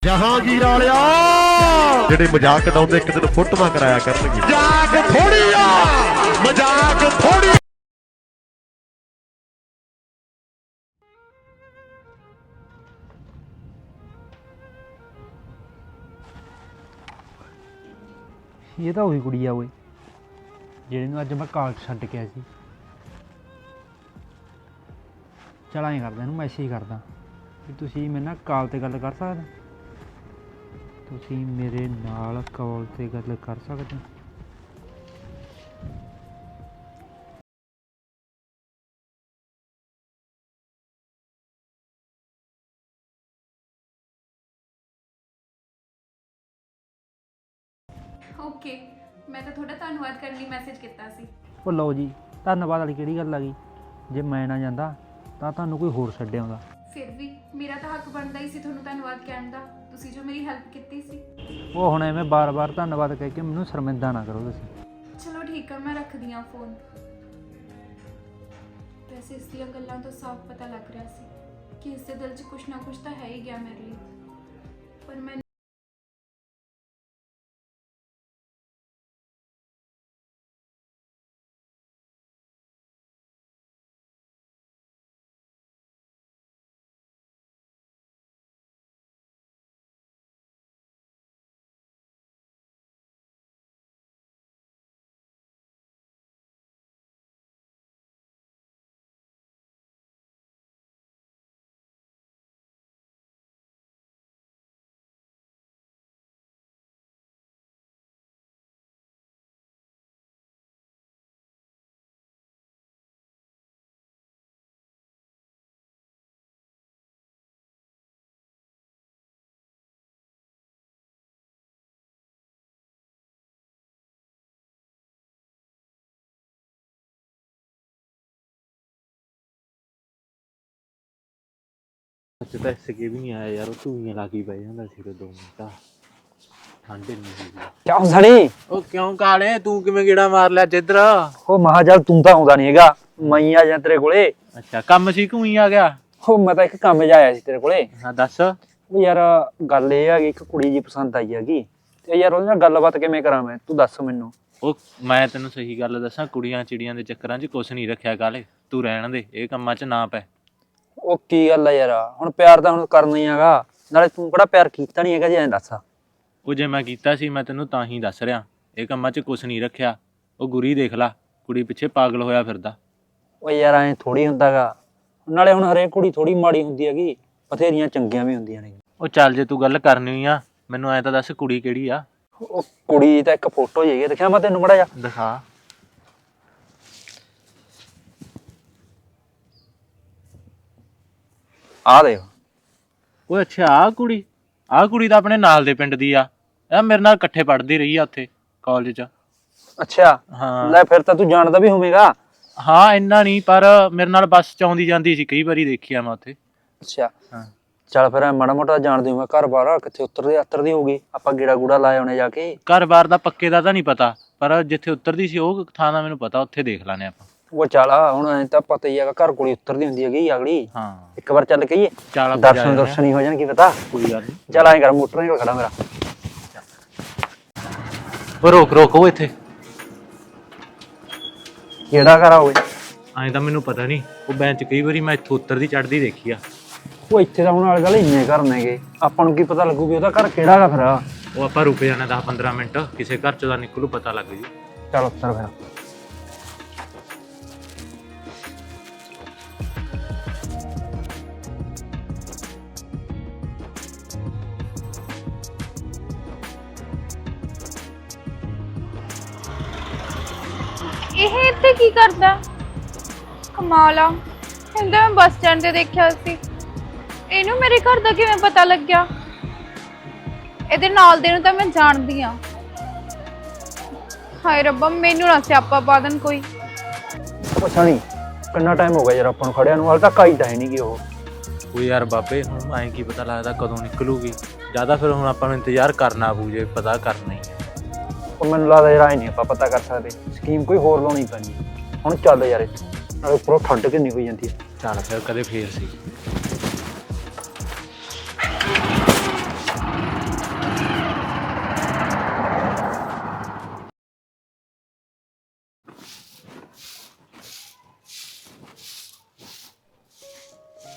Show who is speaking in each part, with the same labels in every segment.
Speaker 1: ਜਹਾਂਗੀਰ ਵਾਲਿਆ ਜਿਹੜੇ ਮਜ਼ਾਕ ਉਡਾਉਂਦੇ ਇੱਕ ਦਿਨ ਫੋਟੋਆਂ ਕਰਾਇਆ ਕਰਨਗੇ। ਮਜ਼ਾਕ ਥੋੜੀ ਆ, ਮਜ਼ਾਕ ਥੋੜੀ।
Speaker 2: ਇਹ ਤਾਂ ਉਹੀ ਕੁੜੀ ਆ ਓਏ ਜਿਹੜੇ ਨੂੰ ਅੱਜ ਮੈਂ ਕਾਲਜ ਛੱਡ ਕੇ ਆਇਆ ਸੀ। ਚਲ ਐਂ ਕਰਦਾ, ਇਹਨੂੰ ਮੈਸੇਜ ਕਰਦਾ ਵੀ ਤੁਸੀਂ ਮੇਰੇ ਨਾਲ ਕਾਲ 'ਤੇ ਗੱਲ ਕਰ ਸਕਦੇ, ਤੁਸੀਂ ਮੇਰੇ ਨਾਲ ਕਾਲ 'ਤੇ ਗੱਲ ਕਰ ਸਕਦੇ।
Speaker 3: ਓਕੇ, ਮੈਂ ਤਾਂ ਤੁਹਾਡਾ ਧੰਨਵਾਦ ਕਰਨ ਲਈ ਮੈਸੇਜ ਕੀਤਾ ਸੀ।
Speaker 2: ਉਹ ਲਓ ਜੀ, ਧੰਨਵਾਦ ਵਾਲੀ ਕਿਹੜੀ ਗੱਲ ਆ ਗਈ? ਜੇ ਮੈਂ ਨਾ ਜਾਂਦਾ ਤਾਂ ਤੁਹਾਨੂੰ ਕੋਈ ਹੋਰ ਛੱਡ ਆਉਂਦਾ।
Speaker 3: ਫਿਰ ਵੀ ਮੇਰਾ ਤਾਂ ਹੱਕ ਬਣਦਾ ਹੀ ਸੀ ਤੁਹਾਨੂੰ ਧੰਨਵਾਦ ਕਹਿਣ ਦਾ, ਤੁਸੀਂ ਜੋ ਮੇਰੀ ਹੈਲਪ ਕੀਤੀ ਸੀ।
Speaker 2: ਉਹ ਹੁਣ ਐਵੇਂ ਬਾਰ-ਬਾਰ ਧੰਨਵਾਦ ਕਹਿ ਕੇ ਮੈਨੂੰ ਸ਼ਰਮਿੰਦਾ ਨਾ ਕਰੋ ਤੁਸੀਂ।
Speaker 3: ਚਲੋ ਠੀਕ ਆ, ਮੈਂ ਰੱਖਦੀ ਹਾਂ ਫੋਨ। ਵੈਸੇ ਇਸ ਦੀਆਂ ਗੱਲਾਂ ਤੋਂ ਸਾਫ਼ ਪਤਾ ਲੱਗ ਰਿਹਾ ਸੀ ਕਿ ਇਸ ਦੇ ਦਿਲ 'ਚ ਕੁਛ ਨਾ ਕੁਛ ਤਾਂ ਹੈ ਹੀ ਗਿਆ ਮੇਰੇ ਲਈ, ਪਰ ਮੈਂ
Speaker 4: ਅੱਜ ਤਾਂ SK ਵੀ ਨਹੀਂ ਆਇਆ ਯਾਰ, ਉਹ ਧੂਈਆਂ ਲਾ ਕੇ ਬਹਿ ਜਾਂਦਾ ਸੀ 2 ਮਿੰਟ। ਠੰਡ ਨਹੀਂ ਸੀ।
Speaker 2: ਕਿਉਂ ਸਣੀ?
Speaker 4: ਉਹ ਕਿਉਂ ਕਾਲੇ, ਤੂੰ ਕਿਵੇਂ ਗੇੜਾ ਮਾਰ ਲਿਆ ਜਿੱਧਰ?
Speaker 2: ਉਹ ਮਹਾ ਚੱਲ ਤੂੰ ਤਾਂ ਆਉਂਦਾ ਨਹੀਂ ਹੈਗਾ, ਮੈਂ ਹੀ ਆ ਜਾ ਤੇਰੇ ਕੋਲੇ।
Speaker 4: ਅੱਛਾ, ਕੰਮ ਸੀ ਕਿਉਂ ਹੀ ਆ ਗਿਆ?
Speaker 2: ਉਹ ਮੈਂ ਤਾਂ ਇੱਕ ਕੰਮ ਜਿਹਾ ਆਇਆ ਸੀ ਤੇਰੇ ਕੋਲੇ।
Speaker 4: ਹਾਂ ਦੱਸ।
Speaker 2: ਉਹ ਯਾਰ ਗੱਲ ਇਹ ਹੈਗੀ, ਇੱਕ ਕੁੜੀ ਜੀ ਪਸੰਦ ਆਈ ਹੈਗੀ ਤੇ ਯਾਰ ਉਹਦੇ ਨਾਲ ਗੱਲਬਾਤ ਕਿਵੇਂ ਕਰਾਂ ਮੈਂ, ਤੂੰ ਦੱਸ ਮੈਨੂੰ।
Speaker 4: ਉਹ ਮੈਂ ਤੈਨੂੰ ਸਹੀ ਗੱਲ ਦੱਸਾਂ, ਕੁੜੀਆਂ ਚਿੜੀਆਂ ਦੇ ਚੱਕਰਾਂ 'ਚ ਕੁਛ ਨਹੀਂ ਰੱਖਿਆ ਕਾਲੇ, ਤੂੰ ਰਹਿਣ ਦੇ, ਇਹ ਕੰਮਾਂ 'ਚ ਨਾ ਪੈ।
Speaker 2: ਉਹ ਕੀ ਗੱਲ ਆ ਯਾਰ, ਹੁਣ ਪਿਆਰ ਤਾਂ ਹੁਣ ਕਰਨਾ ਹੀ ਹੈਗਾ, ਨਾਲੇ ਤੂੰ ਕਿਹੜਾ ਪਿਆਰ ਕੀਤਾ ਨਹੀਂ ਹੈਗਾ ਜੀ, ਐਂ ਦੱਸ।
Speaker 4: ਉਹ ਜੇ ਮੈਂ ਕੀਤਾ ਸੀ ਮੈਂ ਤੈਨੂੰ ਤਾਂ ਹੀ ਦੱਸ ਰਿਹਾ, ਇਹ ਕੰਮਾਂ 'ਚ ਕੁਛ ਨਹੀਂ ਰੱਖਿਆ। ਉਹ ਗੁਰੀ ਦੇਖ ਲਾ, ਕੁੜੀ ਪਿੱਛੇ ਪਾਗਲ ਹੋਇਆ ਫਿਰਦਾ।
Speaker 2: ਉਹ ਯਾਰ ਐਂ ਥੋੜੀ ਹੁੰਦਾ ਗਾ, ਨਾਲੇ ਹੁਣ ਹਰੇਕ ਕੁੜੀ ਥੋੜੀ ਮਾੜੀ ਹੁੰਦੀ ਹੈਗੀ, ਬਥੇਰੀਆਂ ਚੰਗੀਆਂ ਵੀ ਹੁੰਦੀਆਂ ਨੇ।
Speaker 4: ਉਹ ਚੱਲ ਜੇ ਤੂੰ ਗੱਲ ਕਰਨੀ ਹੋਈ ਆ, ਮੈਨੂੰ ਐਂ ਤਾਂ ਦੱਸ ਕੁੜੀ ਕਿਹੜੀ ਆ?
Speaker 2: ਉਹ ਕੁੜੀ ਤਾਂ ਇੱਕ ਫੋਟੋ ਹੀ ਹੈਗੀ, ਦੇਖਿਆ ਮੈਂ ਤੈਨੂੰ ਮੜਾ ਜਾ
Speaker 4: ਦਿਖਾ।
Speaker 2: ਆ ਦੇਖ।
Speaker 4: ਓਏ ਅੱਛਾ, ਆਹ ਕੁੜੀ ਤਾਂ ਆਪਣੇ ਨਾਲ ਦੇ ਪਿੰਡ ਦੀ ਆ, ਇਹ ਮੇਰੇ ਨਾਲ ਇਕੱਠੇ ਪੜ੍ਹਦੀ ਰਹੀ ਆ ਉੱਥੇ ਕਾਲਜ 'ਚ।
Speaker 2: ਅੱਛਾ,
Speaker 4: ਹਾਂ
Speaker 2: ਲੈ ਫਿਰ ਤਾਂ ਤੂੰ ਜਾਣਦਾ ਵੀ ਹੋਵੇਂਗਾ।
Speaker 4: ਹਾਂ ਇੰਨਾ ਨਹੀਂ, ਪਰ ਮੇਰੇ ਨਾਲ ਬੱਸ 'ਚ ਆਉਂਦੀ ਜਾਂਦੀ ਸੀ, ਕਈ ਵਾਰੀ ਦੇਖੀ ਆ ਮੈਂ ਉੱਥੇ।
Speaker 2: ਅੱਛਾ
Speaker 4: ਹਾਂ
Speaker 2: ਚੱਲ ਫਿਰ ਮਾੜਾ ਮੋਟਾ ਜਾਣਦੀ ਹੋਵਾਂ, ਘਰ ਬਾਹਰ ਕਿੱਥੇ ਉਤਰਦੀ ਹੋਊਗੀ, ਆਪਾਂ ਗੇੜਾ ਗੂੜਾ ਲਾਏ ਆਉਣੇ ਜਾ ਕੇ।
Speaker 4: ਘਰ-ਬਾਰ ਦਾ ਪੱਕੇ ਦਾ ਤਾਂ ਨਹੀਂ ਪਤਾ, ਪਰ ਜਿੱਥੇ ਉਤਰਦੀ ਸੀ ਉਹ ਥਾਂ ਦਾ ਮੈਨੂੰ ਪਤਾ, ਉੱਥੇ ਦੇਖ ਲਾਂਗੇ ਆਪਾਂ।
Speaker 2: ਉਹ ਚੱਲ ਹੁਣ ਐਂ ਤਾਂ ਪਤਾ ਹੀ ਹੈਗਾ, ਘਰ ਕੋਲ ਉਤਰਦੀ ਹੁੰਦੀ ਹੈਗੀ ਅਗਲੀ।
Speaker 4: ਹਾਂ
Speaker 2: ਇੱਕ ਵਾਰ ਚੱਲ ਕਹੀਏ,
Speaker 4: ਚੱਲ ਆਪਾਂ
Speaker 2: ਦਰਸ਼ਨ ਹੀ ਹੋ ਜਾਣ, ਕੀ ਪਤਾ।
Speaker 4: ਕੋਈ ਗੱਲ ਨਹੀਂ,
Speaker 2: ਚੱਲ ਐਂ ਕਰ, ਮੋਟਰ ਨਹੀਂ ਖੜਾ ਮੇਰਾ।
Speaker 4: ਉਹ ਰੋਕ ਉਹ ਇੱਥੇ।
Speaker 2: ਕਿਹੜਾ ਘਰ ਆ ਓਏ?
Speaker 4: ਐਂ ਤਾਂ ਮੈਨੂੰ ਪਤਾ ਨਹੀਂ, ਉਹ ਬੈਂਚ ਕਈ ਵਾਰੀ ਮੈਂ ਇੱਥੋਂ ਉਤਰਦੀ ਚੜ੍ਹਦੀ ਦੇਖੀ ਆ।
Speaker 2: ਉਹ ਇੱਥੇ ਤਾਂ ਹੁਣ ਵਾਲੀ ਗੱਲ ਇੰਨੇ ਘਰ ਨੇਗੇ, ਆਪਾਂ ਨੂੰ ਕੀ ਪਤਾ ਲੱਗੂ ਵੀ ਉਹਦਾ ਘਰ ਕਿਹੜਾ ਗਾ ਫਿਰ।
Speaker 4: ਉਹ ਆਪਾਂ ਰੁਕ ਜਾਣਾ 10-15 ਮਿੰਟ, ਕਿਸੇ ਘਰ 'ਚੋਂ ਦਾ ਨਿਕਲੂ ਪਤਾ ਲੱਗ ਜੂ।
Speaker 2: ਚੱਲ ਉੱਤਰ ਫਿਰ।
Speaker 3: ਇਹ ਇੱਥੇ ਕੀ ਕਰਦਾ? ਕਮਾਲ ਆ, ਇਹਨੂੰ ਤਾਂ ਮੈਂ ਬੱਸ ਸਟੈਂਡ ਤੇ ਦੇਖਿਆ ਸੀ, ਇਹਨੂੰ ਮੇਰੇ ਘਰ ਦਾ ਕਿਵੇਂ ਪਤਾ ਲੱਗਿਆ? ਇਹਦੇ ਨਾਲ ਦੇ ਨੂੰ ਤਾਂ ਮੈਂ ਜਾਣਦੀ ਆ। ਹਾਏ ਰੱਬਾ, ਮੈਨੂੰ ਨਾ ਸਿਆਪਾ ਪਾ ਦੇਣ ਕੋਈ।
Speaker 2: ਪਤਾ ਨਹੀਂ ਕਿੰਨਾ ਟਾਈਮ ਹੋ ਗਿਆ ਯਾਰ ਆਪਾਂ ਨੂੰ ਖੜਿਆ ਨੂੰ, ਹਾਲੇ ਤੱਕ ਆਈ ਤਾਂ ਹੈ ਨਹੀਂ ਗੀ ਉਹ।
Speaker 4: ਉਹ ਯਾਰ ਬਾਬੇ, ਹੁਣ ਐਂ ਕੀ ਪਤਾ ਲੱਗਦਾ ਕਦੋਂ ਨਿਕਲੂਗੀ, ਜ਼ਿਆਦਾ ਫਿਰ ਹੁਣ ਆਪਾਂ ਨੂੰ ਇੰਤਜ਼ਾਰ ਕਰਨਾ ਪਊ, ਜੇ ਪਤਾ ਕਰਨਾ ਹੀ ਹੈ।
Speaker 2: ਉਹ ਮੈਨੂੰ ਲੱਗਦਾ ਯਾਰ ਐ ਨਹੀਂ ਆਪਾਂ ਪਤਾ ਕਰ ਸਕਦੇ, ਸਕੀਮ ਕੋਈ ਹੋਰ ਲਾਉਣੀ ਪੈਣੀ। ਹੁਣ ਚੱਲ ਯਾਰ ਇੱਥੇ, ਨਾਲੇ ਉੱਪਰੋਂ ਠੰਡ ਕਿੰਨੀ ਹੋਈ ਜਾਂਦੀ ਹੈ।
Speaker 4: ਚੱਲ ਫਿਰ, ਕਦੇ ਫੇਰ ਸੀ।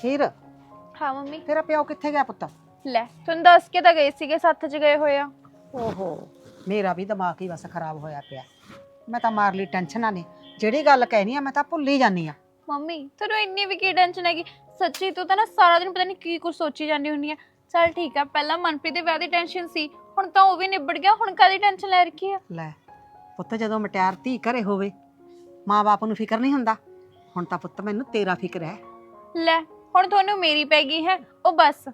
Speaker 5: ਹੀਰ
Speaker 3: ਹਾਂ ਮੰਮੀ।
Speaker 5: ਤੇਰਾ ਪਿਓ ਕਿੱਥੇ ਗਿਆ ਪੁੱਤ?
Speaker 3: ਲੈ ਤੁਹਾਨੂੰ ਦੱਸ ਕੇ ਤਾਂ ਗਏ ਸੀਗੇ, ਸੱਥ 'ਚ ਗਏ ਹੋਏ ਆ।
Speaker 5: ਓਹੋ ਮੇਰਾ ਵੀ ਦਿਮਾਗ ਹੀ ਬਸ ਖਰਾਬ ਹੋਇਆ ਪਿਆ। ਮੈਂ ਤਾਂ ਮਾਰ ਲਈ ਟੈਨਸ਼ਨਾਂ ਨੇ, ਜਿਹੜੀ ਗੱਲ ਕਹਿਣੀ ਆ ਮੈਂ ਤਾਂ ਭੁੱਲ ਹੀ ਜਾਂਦੀ ਆ।
Speaker 3: ਮੰਮੀ ਤੁਹਾਨੂੰ ਇੰਨੀ ਵੀ ਕੀ ਟੈਨਸ਼ਨ ਹੈਗੀ? ਸੱਚੀ ਤੂੰ ਤਾਂ ਨਾ ਸਾਰਾ ਦਿਨ ਪਤਾ ਨਹੀਂ ਕੀ ਕੁਝ ਸੋਚੀ ਜਾਂਦੀ ਹੁੰਦੀ ਆ। ਚੱਲ ਠੀਕ ਆ, ਪਹਿਲਾਂ ਮਨਪ੍ਰੀਤ ਦੇ ਵਿਆਹ ਦੀ ਟੈਨਸ਼ਨ ਸੀ, ਹੁਣ ਤਾਂ ਉਹ ਵੀ ਨਿਬੜ ਗਿਆ, ਹੁਣ ਕਾਹਦੀ ਟੈਨਸ਼ਨ ਲੈ ਰੱਖੀ ਆ?
Speaker 5: ਲੈ ਪੁੱਤ ਜਦੋਂ ਮਟਿਆਰ ਧੀ ਘਰੇ ਹੋਵੇ ਮਾਂ-ਬਾਪ ਨੂੰ ਫਿਕਰ ਨਹੀਂ ਹੁੰਦਾ। ਹੁਣ ਤਾਂ ਪੁੱਤ ਮੈਨੂੰ ਤੇਰਾ ਫਿਕਰ ਹੈ।
Speaker 3: ਲੈ ਹੁਣ ਤੁਹਾਨੂੰ ਮੇਰੀ ਪੈ ਗਈ ਹੈ ਉਹ ਬਸ।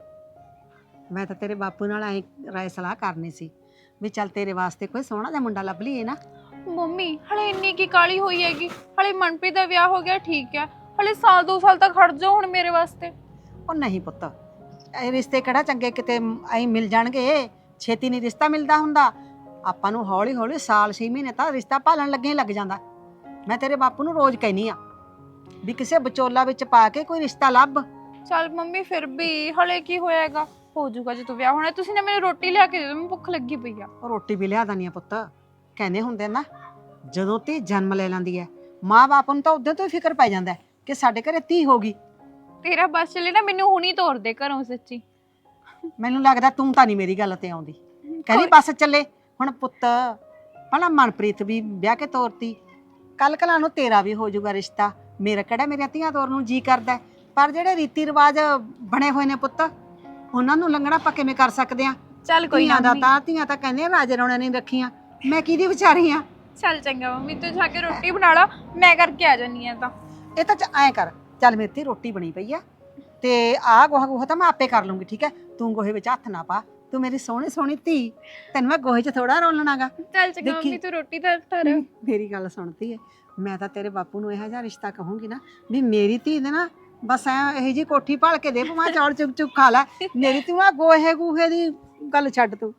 Speaker 5: ਮੈਂ ਤਾਂ ਤੇਰੇ ਬਾਪੂ ਨਾਲ ਐ ਰਾਏ ਸਲਾਹ ਕਰਨੀ ਸੀ ਵੀ ਚੱਲ ਤੇਰੇ ਵਾਸਤੇ ਕੋਈ ਸੋਹਣਾ ਜਿਹਾ ਮੁੰਡਾ ਲੱਭ ਲਈਏ ਨਾ।
Speaker 3: ਮੰਮੀ ਹਲੇ ਇੰਨੀ ਕੀ ਕਾਲੀ ਹੋਈ ਹੈਗੀ? ਹਲੇ ਮਨਪ੍ਰੀਤ ਦਾ ਵਿਆਹ ਹੋ ਗਿਆ ਠੀਕ ਹੈ, ਹਲੇ ਸਾਲ 2 ਸਾਲ ਤੱਕ ਖੜ ਜਾਓ ਹੁਣ ਮੇਰੇ ਵਾਸਤੇ।
Speaker 5: ਉਹ ਨਹੀਂ ਪੁੱਤ, ਇਹ ਰਿਸ਼ਤੇ ਕਿਹੜਾ ਚੰਗੇ ਕਿਤੇ ਐਂ ਮਿਲ ਜਾਣਗੇ, ਛੇਤੀ ਨਹੀਂ ਰਿਸ਼ਤਾ ਮਿਲਦਾ ਹੁੰਦਾ। ਆਪਾਂ ਨੂੰ ਹੌਲੀ ਹੌਲੀ ਸਾਲ 6 ਮਹੀਨੇ ਤਾਂ ਰਿਸ਼ਤਾ ਭਾਲਣ ਲੱਗੇ ਲੱਗ ਜਾਂਦਾ। ਮੈਂ ਤੇਰੇ ਬਾਪੂ ਨੂੰ ਰੋਜ਼ ਕਹਿਨੀ ਆ ਵੀ ਕਿਸੇ ਵਿਚੋਲਾ ਵਿੱਚ ਪਾ ਕੇ ਕੋਈ ਰਿਸ਼ਤਾ ਲੱਭ।
Speaker 3: ਚੱਲ ਮੰਮੀ ਫਿਰ ਵੀ ਹਲੇ ਕੀ ਹੋਏਗਾ, ਹੋ ਜਾਊਗਾ ਜੇ ਤੂੰ ਵਿਆਹ ਹੋਣਾ। ਤੁਸੀਂ ਨਾ ਮੈਨੂੰ ਰੋਟੀ ਲਿਆ ਕੇ ਦੇ ਦਿਓ, ਮੈਨੂੰ ਭੁੱਖ ਲੱਗੀ ਪਈ ਆ।
Speaker 5: ਉਹ ਰੋਟੀ ਵੀ ਲਿਆ ਦਨੀ ਆ ਪੁੱਤ। ਕਹਿੰਦੇ ਹੁੰਦੇ ਨਾ ਜਦੋਂ ਧੀ ਜਨਮ ਲੈ ਲੈਂਦੀ ਹੈ ਮਾਂ-ਬਾਪ ਨੂੰ ਤਾਂ ਉਦੋਂ ਤੋਂ ਹੀ ਫਿਕਰ ਪੈ ਜਾਂਦਾ ਕਿ ਸਾਡੇ ਘਰੇ ਧੀ ਹੋ ਗਈ।
Speaker 3: ਤੇਰਾ ਬਸ ਚੱਲੇ ਨਾ ਮੈਨੂੰ ਹੁਣੀ ਤੋਰ ਦੇ ਘਰੋਂ ਸੱਚੀ।
Speaker 5: ਮੈਨੂੰ ਲੱਗਦਾ ਤੂੰ ਤਾਂ ਨਹੀਂ ਮੇਰੀ ਗੱਲ ਤੇ ਆਉਂਦੀ। ਕਹਿੰਦੀ ਬੱਸ ਚੱਲੇ। ਹੁਣ ਪੁੱਤ ਭਲਾ ਮਨਪ੍ਰੀਤ ਵੀ ਵਿਆਹ ਕੇ ਤੋਰਤੀ, ਕੱਲ ਕਲਾ ਨੂੰ ਤੇਰਾ ਵੀ ਹੋ ਜਾਊਗਾ ਰਿਸ਼ਤਾ। ਮੇਰਾ ਕਿਹੜਾ ਮੇਰੀਆਂ ਧੀਆਂ ਤੋਰਨ ਨੂੰ ਜੀ ਕਰਦਾ, ਪਰ ਜਿਹੜੇ ਰੀਤੀ ਰਿਵਾਜ ਬਣੇ ਹੋਏ ਨੇ ਪੁੱਤ ਉਹਨਾਂ ਨੂੰ ਲੰਘਣਾ ਆਪਾਂ ਕਿਵੇਂ ਕਰ ਸਕਦੇ ਆ?
Speaker 3: ਚੱਲ ਕੋਈ ਨਾ
Speaker 5: ਧੀਆਂ ਤਾਂ ਕਹਿੰਦੇ ਰਾਜੇ ਰੌਣੇ ਨਹੀਂ ਰੱਖੀਆਂ। ਮੈਂ ਕਿਹਦੀ ਵਿਚਾਰੀ ਆ?
Speaker 3: ਚੱਲ ਚੰਗਾ ਮੰਮੀ, ਤੂੰ ਜਾ ਕੇ ਰੋਟੀ ਬਣਾ ਲਾ, ਮੈਂ ਕਰਕੇ ਆ ਜਾਨੀ ਆ। ਤਾਂ
Speaker 5: ਇਹ ਤਾਂ ਐਂ ਕਰ, ਚੱਲ ਮੇਰੀ ਧੀ ਰੋਟੀ ਬਣੀ ਪਈ ਆ ਤੇ ਆਹ ਗੋਹਾ ਤਾਂ ਮੈਂ ਆਪੇ ਕਰ ਲੂੰਗੀ, ਠੀਕ ਹੈ? ਤੂੰ ਗੋਹੇ ਵਿੱਚ ਹੱਥ ਨਾ ਪਾ, ਤੂੰ ਮੇਰੀ ਸੋਹਣੀ ਸੋਹਣੀ ਧੀ, ਤੈਨੂੰ ਮੈਂ ਗੋਹੇ 'ਚ ਥੋੜਾ ਰੋਲਣਾਗਾ।
Speaker 3: ਚੱਲ ਚੰਗਾ ਮੰਮੀ, ਤੂੰ ਰੋਟੀ ਤਾਂ ਧਰ।
Speaker 5: ਮੇਰੀ ਗੱਲ ਸੁਣਦੀ ਹੈ, ਮੈਂ ਤਾਂ ਤੇਰੇ ਬਾਪੂ ਨੂੰ ਇਹੋ ਜਿਹਾ ਰਿਸ਼ਤਾ ਕਹੂੰਗੀ ਨਾ ਵੀ ਮੇਰੀ ਧੀ ਦੇ ਨਾ ਬਸ ਐ ਇਹੋ ਜਿਹੀ ਕੋਠੀ ਭਾਲ ਕੇ ਦੇ, ਭਾਵੇਂ ਚੌਲ ਚੁੱਕ ਚੁੱਕ ਖਾ ਲੈ। ਮੇਰੀ ਤੂੰ ਆ ਗੋਹੇ ਗੂਹੇ ਦੀ ਗੱਲ ਛੱਡ ਤੂੰ।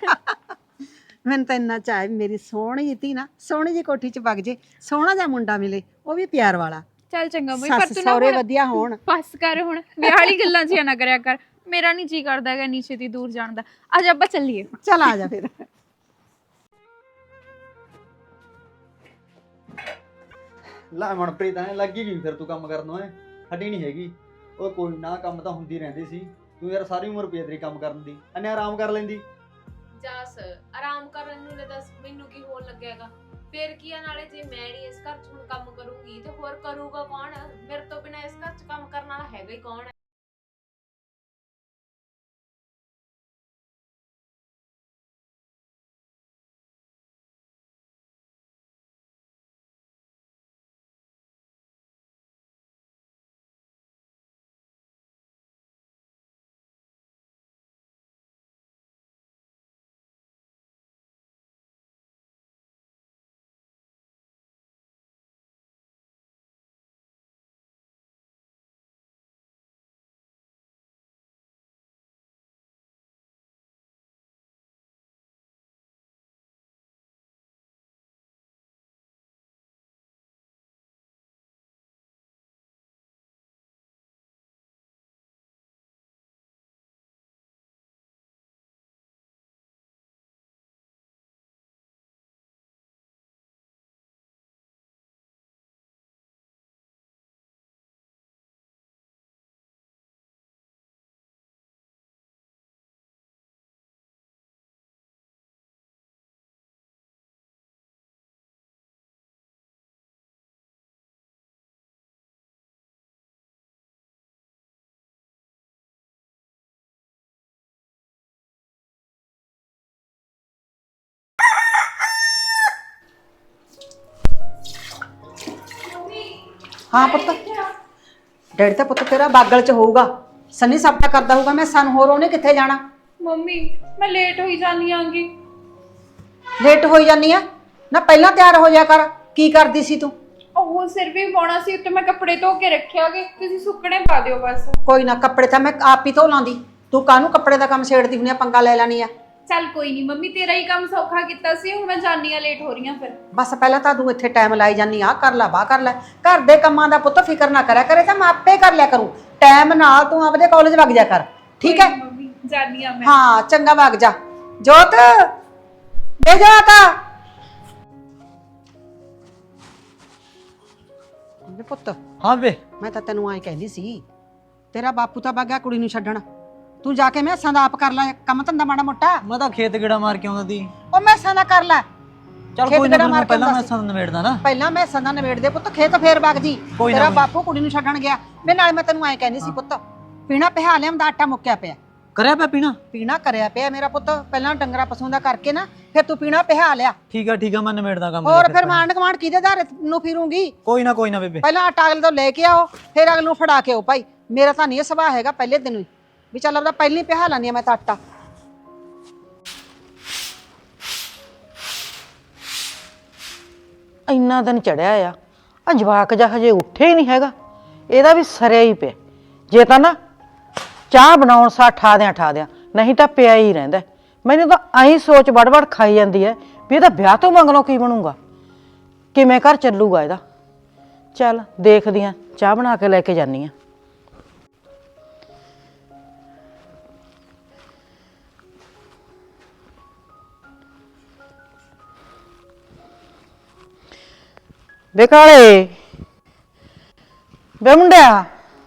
Speaker 5: ਮੈਨੂੰ ਤਾਂ ਇੰਨਾ ਚਾਹ ਵੀ ਮੇਰੀ ਸੋਹਣੀ ਜਿਹੀ ਧੀ ਨਾ ਸੋਹਣੀ ਜਿਹੀ ਕੋਠੀ 'ਚ ਵਗ ਜੇ, ਸੋਹਣਾ ਜਿਹਾ ਮੁੰਡਾ ਮਿਲੇ, ਉਹ ਵੀ ਪਿਆਰ ਵਾਲਾ।
Speaker 3: ਚੱਲ ਚੰਗਾ ਮੰਮੀ, ਪਰ
Speaker 5: ਸੱਸ
Speaker 3: ਤੂੰ ਨਾ
Speaker 5: ਸਹੁਰੇ ਵਧੀਆ ਹੋਣ।
Speaker 3: ਬਸ ਕਰ ਹੁਣ, ਵਿਆਹ ਵਾਲੀ ਗੱਲਾਂ ਜਿਹਾ ਨਾ ਕਰਿਆ ਕਰ। ਮੇਰਾ ਨਹੀਂ ਜੀ ਕਰਦਾ ਹੈਗਾ ਨੀਚੇ ਦੀ ਦੂਰ ਜਾਣ ਦਾ। ਅੱਜ ਆਪਾਂ ਚੱਲੀਏ।
Speaker 5: ਚੱਲ ਆ ਜਾ ਫਿਰ।
Speaker 6: ਲੈ ਮਨਪ੍ਰੀਤ ਐ ਲੱਗੀ ਗਈ ਫਿਰ ਤੂੰ ਕੰਮ ਕਰਨ ਨੂੰ। ਹੱਡੀ ਨਹੀਂ ਹੈਗੀ ਉਹ। ਕੋਈ ਨਾ ਕੰਮ ਤਾਂ ਹੁੰਦੀ ਰਹਿੰਦੀ ਸੀ। ਤੂੰ ਯਾਰ ਸਾਰੀ ਉਮਰ ਪਈ ਤੇਰੀ ਕੰਮ ਕਰਨ ਦੀ, ਐਨੇ ਆਰਾਮ ਕਰ ਲੈਂਦੀ।
Speaker 7: ਜਸ ਆਰਾਮ ਕਰਨ ਨੂੰ ਲੈ ਦੱਸ ਮੈਨੂੰ ਕੀ ਹੋਣ ਲੱਗੇਗਾ? ਫਿਰ ਕੀ ਆ, ਨਾਲੇ ਜੇ ਮੈਂ ਨਹੀਂ ਇਸ ਘਰ 'ਚ ਹੁਣ ਕੰਮ ਕਰੂੰਗੀ ਤੇ ਹੋਰ ਕਰੂਗਾ ਕੌਣ? ਮੇਰੇ ਤੋਂ ਬਿਨਾਂ ਇਸ ਘਰ 'ਚ ਕੰਮ ਕਰਨ ਵਾਲਾ ਹੈਗਾ ਹੀ ਕੌਣ ਹੈ?
Speaker 5: ਹਾਂ ਪੁੱਤ, ਡੈਡੀ ਤਾਂ ਪੁੱਤ ਤੇਰਾ ਬਾਗਲ 'ਚ ਹੋਊਗਾ, ਸੰਨੀ ਸਪਨਾ ਕਰਦਾ ਹੋਊਗਾ। ਮੈਂ ਸਾਨੂੰ ਹੋਰ ਉਹਨੇ ਕਿੱਥੇ ਜਾਣਾ?
Speaker 3: ਮੰਮੀ ਮੈਂ ਲੇਟ ਹੋਈ ਜਾਂਦੀ ਆਂਗੀ।
Speaker 5: ਲੇਟ ਹੋਈ ਜਾਨੀ ਆ ਨਾ, ਪਹਿਲਾਂ ਤਿਆਰ ਹੋ ਜਾ ਕਰ। ਕੀ ਕਰਦੀ ਸੀ ਤੂੰ?
Speaker 3: ਉਹ ਸਿਰ ਵੀ ਪਾਉਣਾ ਸੀ, ਉੱਤੇ ਮੈਂ ਕੱਪੜੇ ਧੋ ਕੇ ਰੱਖਿਆਗੇ, ਤੁਸੀਂ ਸੁੱਕਣੇ ਪਾ ਦਿਓ ਬਸ।
Speaker 5: ਕੋਈ ਨਾ, ਕੱਪੜੇ ਤਾਂ ਮੈਂ ਆਪ ਹੀ ਧੋ ਲਾਂਦੀ। ਤੂੰ ਕਾਹਨੂੰ ਕੱਪੜੇ ਦਾ ਕੰਮ ਛੇੜਦੀ ਹੁੰਦੀ ਆ, ਪੰਗਾ ਲੈ ਲੈਣੀ ਆ।
Speaker 3: ਚੱਲ ਕੋਈ ਨਹੀਂ ਮੰਮੀ, ਤੇਰਾ ਹੀ ਕੰਮ ਸੌਖਾ ਕੀਤਾ ਸੀ, ਹੁਣ ਮੈਂ ਜਾਨੀ ਆ, ਲੇਟ ਹੋ ਰਹੀ ਆ ਫਿਰ।
Speaker 5: ਬਸ ਪਹਿਲਾਂ ਤਾਂ ਤੂੰ ਇੱਥੇ ਟਾਈਮ ਲਾਈ ਜਾਨੀ ਆ, ਕਰ ਲੈ ਬਾਹ ਕਰ ਲੈ। ਘਰ ਦੇ ਕੰਮਾਂ ਦਾ ਪੁੱਤ ਫਿਕਰ ਨਾ ਕਰਿਆ ਕਰੇ ਤਾਂ ਮੈਂ ਆਪੇ ਕਰ ਲਿਆ ਕਰੂੰ। ਟਾਈਮ ਨਾਲ ਤੂੰ ਆਪਦੇ ਕਾਲਜ ਵਗ ਜਾ ਕਰ, ਠੀਕ ਹੈ?
Speaker 3: ਮੰਮੀ ਜਾਨੀ ਆ ਮੈਂ।
Speaker 5: ਹਾਂ ਚੰਗਾ, ਵਗ ਜਾ। ਜੋਤ ਦੇ ਜਾ ਤਾ ਪੁੱਤ।
Speaker 6: ਹਾਂ ਵੇ
Speaker 5: ਮੈਂ ਤਾਂ ਤੈਨੂੰ ਐਂ ਕਹਿੰਦੀ ਸੀ ਤੇਰਾ ਬਾਪੂ ਤਾਂ ਵਗ ਗਿਆ ਕੁੜੀ ਨੂੰ ਛੱਡਣ। ਤੂੰ ਜਾ ਕੇ ਮੈਸਾਂ ਦਾ ਆਪ ਕਰ ਲੈ ਕੰਮ ਧੰਦਾ ਮਾੜਾ ਮੋਟਾ।
Speaker 6: ਮੈਂ ਤਾਂ ਖੇਤ ਗੇੜਾ ਮਾਰ ਕੇ ਆਉਂਦਾ ਸੀ।
Speaker 5: ਉਹ ਮੈਸਾਂ ਦਾ ਕਰ ਲੈ।
Speaker 6: ਚੱਲ
Speaker 5: ਖੇਤ
Speaker 6: ਕੋਈ ਨਾ
Speaker 5: ਗੇੜਾ ਮਾਰ
Speaker 6: ਮੈਂ
Speaker 5: ਕੇ
Speaker 6: ਪਹਿਲਾਂ
Speaker 5: ਆਉਂਦਾ
Speaker 6: ਮੈਂ ਸਾਨੂੰ ਨਿਬੇੜਦਾ ਨਾ।
Speaker 5: ਪਹਿਲਾਂ ਮੈਸਾਂ ਦਾ ਨਿਬੇੜ ਦੇ ਪੁੱਤ, ਖੇਤ ਫੇਰ ਵਗ ਜੀ।
Speaker 6: ਕੋਈ ਨਾ
Speaker 5: ਤੇਰਾ
Speaker 6: ਕੋਈ।
Speaker 5: ਬਾਪੂ ਕੁੜੀ ਨੂੰ ਛੱਡਣ ਗਿਆ। ਮੈਂ ਨਾਲ ਮੈਂ ਤੈਨੂੰ ਐਂ ਕਹਿੰਦੀ ਸੀ ਪੁੱਤ, ਪੀਣਾ ਪਿਹਾ ਲਿਆਂਦਾ, ਆਟਾ ਮੁੱਕਿਆ ਪਿਆ।
Speaker 6: ਕਰਿਆ ਪਿਆ ਪੀਣਾ?
Speaker 5: ਪੀਣਾ ਕਰਿਆ ਪਿਆ ਮੇਰਾ ਪੁੱਤ, ਪਹਿਲਾਂ ਡੰਗਰਾ ਪਸ਼ੂਆਂ ਦਾ ਕਰਕੇ ਨਾ ਫਿਰ ਤੂੰ ਪੀਣਾ ਪਿਹਾ ਲਿਆ।
Speaker 6: ਠੀਕ ਆ ਮੈਂ ਨਿਬੇੜਦਾ ਕੰਮ।
Speaker 5: ਹੋਰ ਫਿਰ ਮਾਂਡ ਕਮਾਂਡ ਕਿਹਦੇ ਧਾਰੇ ਨੂੰ ਫਿਰੂੰਗੀ?
Speaker 6: ਕੋਈ ਨਾ ਬੇਬੇ।
Speaker 5: ਪਹਿਲਾਂ ਆਟਾ ਅਗਲੇ ਤੋਂ ਲੈ ਕੇ ਆਓ, ਫਿਰ ਅਗਲੇ ਨੂੰ ਫੜਾ ਕੇ ਆਓ ਭਾਈ। ਮੇਰਾ ਤਾਂ ਨਹੀਂ ਇਹ ਸੁਭਾਅ ਹੈਗਾ ਪਹਿਲੇ ਦਿਨ ਹੀ ਵੀ ਚੱਲ ਆਪਦਾ ਪਹਿਲੀ ਪਿਹਾ ਲਾਨੀ ਆ ਮੈਂ ਤਾਂ ਆਟਾ।
Speaker 8: ਇੰਨਾ ਦਿਨ ਚੜਿਆ ਆ ਜਵਾਕ ਜਾ ਹਜੇ ਉੱਠੇ ਹੀ ਨਹੀਂ ਹੈਗਾ। ਇਹਦਾ ਵੀ ਸਰਿਆ ਹੀ ਪਿਆ। ਜੇ ਤਾਂ ਨਾ ਚਾਹ ਬਣਾਉਣ ਸਾ ਠਾ ਦਿਆਂ ਨਹੀਂ ਤਾਂ ਪਿਆ ਹੀ ਰਹਿੰਦਾ। ਮੈਨੂੰ ਤਾਂ ਐਂ ਸੋਚ ਵੜ ਖਾਈ ਜਾਂਦੀ ਹੈ ਵੀ ਇਹਦਾ ਵਿਆਹ ਤੋਂ ਮੰਗਣੋਂ ਕੀ ਬਣੂਗਾ, ਕਿਵੇਂ ਘਰ ਚੱਲੂਗਾ ਇਹਦਾ। ਚੱਲ ਦੇਖਦੀ ਆ, ਚਾਹ ਬਣਾ ਕੇ ਲੈ ਕੇ ਜਾਂਦੀ ਆ। ਵੇ ਕਾਲੇ, ਵੇ ਮੁੰਡਿਆ,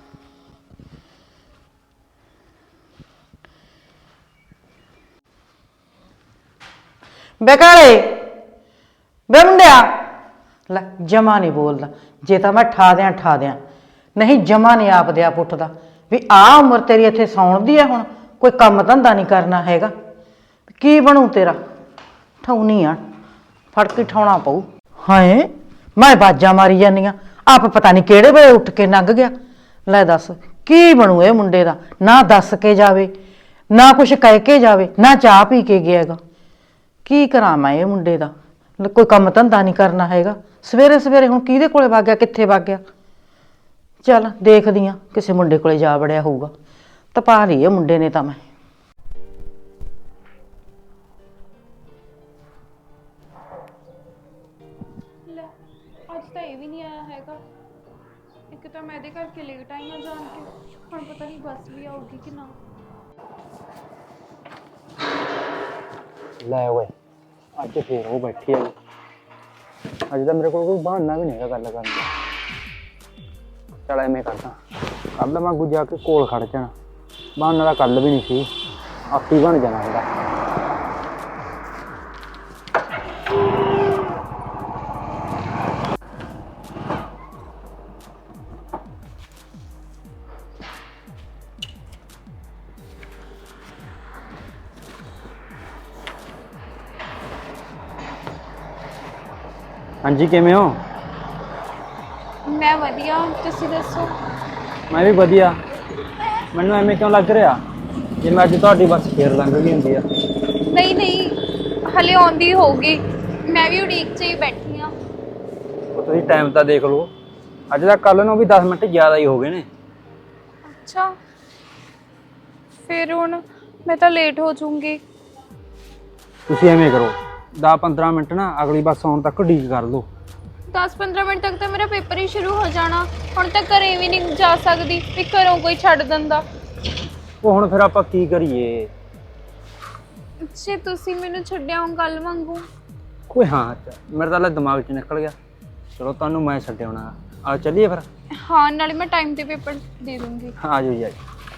Speaker 8: ਵੇ ਕਾਲੇ, ਵੇ ਮੁੰਡਿਆ। ਲੈ ਜਮਾ ਨਹੀਂ ਬੋਲਦਾ। ਜੇ ਤਾਂ ਮੈਂ ਠਾ ਦਿਆਂ ਨਹੀਂ ਜਮਾ ਨਹੀਂ ਆਪਦੇ ਆਪ ਉੱਠਦਾ ਵੀ ਆਹ ਉਮਰ ਤੇਰੀ ਇੱਥੇ ਸੌਣ ਦੀ ਹੈ, ਹੁਣ ਕੋਈ ਕੰਮ ਧੰਦਾ ਨਹੀਂ ਕਰਨਾ ਹੈਗਾ। ਕੀ ਬਣੂ ਤੇਰਾ? ਠਾਉਣੀ ਆ, ਫੜ ਕੇ ਠਾਉਣਾ ਪਊ। ਹਾਏ ਮੈਂ ਬਾਜਾਂ ਮਾਰੀ ਜਾਂਦੀ ਆ, ਆਪ ਪਤਾ ਨਹੀਂ ਕਿਹੜੇ ਵੇਲੇ ਉੱਠ ਕੇ ਲੰਘ ਗਿਆ। ਲੈ ਦੱਸ ਕੀ ਬਣੂ ਇਹ ਮੁੰਡੇ ਦਾ? ਨਾ ਦੱਸ ਕੇ ਜਾਵੇ, ਨਾ ਕੁਛ ਕਹਿ ਕੇ ਜਾਵੇ, ਨਾ ਚਾਹ ਪੀ ਕੇ ਗਿਆਗਾ। ਕੀ ਕਰਾਂ ਮੈਂ ਇਹ ਮੁੰਡੇ ਦਾ? ਕੋਈ ਕੰਮ ਧੰਦਾ ਨਹੀਂ ਕਰਨਾ ਹੈਗਾ। ਸਵੇਰੇ ਹੁਣ ਕਿਹਦੇ ਕੋਲੇ ਵਗ ਗਿਆ, ਕਿੱਥੇ ਵਗ ਗਿਆ? ਚੱਲ ਦੇਖਦੀ ਆ, ਕਿਸੇ ਮੁੰਡੇ ਕੋਲੇ ਜਾ ਵੜਿਆ ਹੋਊਗਾ। ਤਪਾ ਲਈ ਇਹ ਮੁੰਡੇ ਨੇ ਤਾਂ ਮੈਂ।
Speaker 3: ਲੈ ਅੱਜ ਤਾਂ ਇਹ ਵੀ ਨਹੀਂ ਆਇਆ ਹੈਗਾ। ਇੱਕ ਤਾਂ ਮੈਂ ਇਹਦੇ ਕਰਕੇ ਲੇਟ ਆਈ ਹਾਂ ਜਾਣ ਕੇ, ਹੁਣ ਪਤਾ ਨਹੀਂ ਬੱਸ ਵੀ ਆਊਗੀ ਕਿ ਨਾ।
Speaker 2: ਲੈ ਓਏ, ਅੱਜ ਫੇਰ ਉਹ ਬੈਠੀ ਆ। ਅੱਜ ਤਾਂ ਮੇਰੇ ਕੋਲ ਕੋਈ ਬਹਾਨਾ ਵੀ ਨਹੀਂ ਹੈਗਾ ਗੱਲ ਕਰਨ ਦਾ। ਚਲ ਐਵੇਂ ਕਰਦਾ, ਕੱਲ ਮੈਂ ਅੱਗੂ ਜਾ ਕੇ ਕੋਲ ਖੜ ਜਾਣਾ। ਬਹਾਨਾ ਦਾ ਕੱਲ ਵੀ ਨਹੀਂ ਸੀ, ਆਪੀ ਬਣ ਜਾਣਾ ਇਹਦਾ।
Speaker 6: ਹਾਂਜੀ ਕਿਵੇਂ ਹੋ?
Speaker 3: ਮੈਂ ਵਧੀਆ, ਤੁਸੀਂ ਦੱਸੋ?
Speaker 6: ਮੈਂ ਵੀ ਵਧੀਆ। ਮੈਨੂੰ ਐਵੇਂ ਕਿਉਂ ਲੱਗ ਰਿਹਾ ਜਿਵੇਂ ਅੱਜ ਤੁਹਾਡੀ ਬੱਸ ਫੇਰ ਲੰਘ ਗਈ ਹੁੰਦੀ ਆ?
Speaker 3: ਨਹੀਂ ਹਲੇ ਆਉਂਦੀ ਹੋਊਗੀ, ਮੈਂ ਵੀ ਉਡੀਕ 'ਚ ਹੀ ਬੈਠੀ ਹਾਂ।
Speaker 6: ਉਹ ਤੁਸੀਂ ਟਾਈਮ ਤਾਂ ਦੇਖ ਲਓ, ਅੱਜ ਦਾ ਕੱਲ ਨੂੰ ਵੀ 10 ਮਿੰਟ ਜ਼ਿਆਦਾ ਹੀ ਹੋ ਗਏ ਨੇ।
Speaker 3: ਅੱਛਾ ਫਿਰ ਹੁਣ ਮੈਂ ਤਾਂ ਲੇਟ ਹੋ ਜਾਊਂਗੀ।
Speaker 6: ਤੁਸੀਂ ਐਵੇਂ ਕਰੋ, 10-15 ਮਿੰਟ ਨਾ ਅਗਲੀ ਬੱਸ ਆਉਣ ਤੱਕ ਉਡੀਕ ਕਰ ਲਓ।
Speaker 3: 10-15 ਮਿੰਟ ਤੱਕ ਤਾਂ ਮੇਰਾ ਪੇਪਰ ਹੀ ਸ਼ੁਰੂ ਹੋ ਜਾਣਾ। ਹੁਣ ਤਾਂ ਘਰੇ ਵੀ ਨਹੀਂ ਜਾ ਸਕਦੀ ਵੀ ਘਰੋਂ ਕੋਈ ਛੱਡ ਦਿੰਦਾ।
Speaker 6: ਉਹ ਹੁਣ ਫਿਰ ਆਪਾਂ ਕੀ ਕਰੀਏ?
Speaker 3: ਜੇ ਤੁਸੀਂ ਮੈਨੂੰ ਛੱਡਿਆ ਹੋ ਕੱਲ ਵਾਂਗੂ।
Speaker 6: ਕੋਈ ਹਾਂ, ਮੇਰੇ ਤਾਂ ਦਿਮਾਗ 'ਚ ਨਿਕਲ ਗਿਆ। ਚਲੋ ਤੁਹਾਨੂੰ ਮੈਂ ਛੱਡਿਆਉਣਾ। ਆ ਚੱਲੀਏ ਫਿਰ।
Speaker 3: ਹਾਂ ਨਾਲੇ ਮੈਂ ਟਾਈਮ ਤੇ ਪੇਪਰ ਦੇ ਦੂੰਗੀ।
Speaker 6: ਆ ਜਾਓ ਜੀ।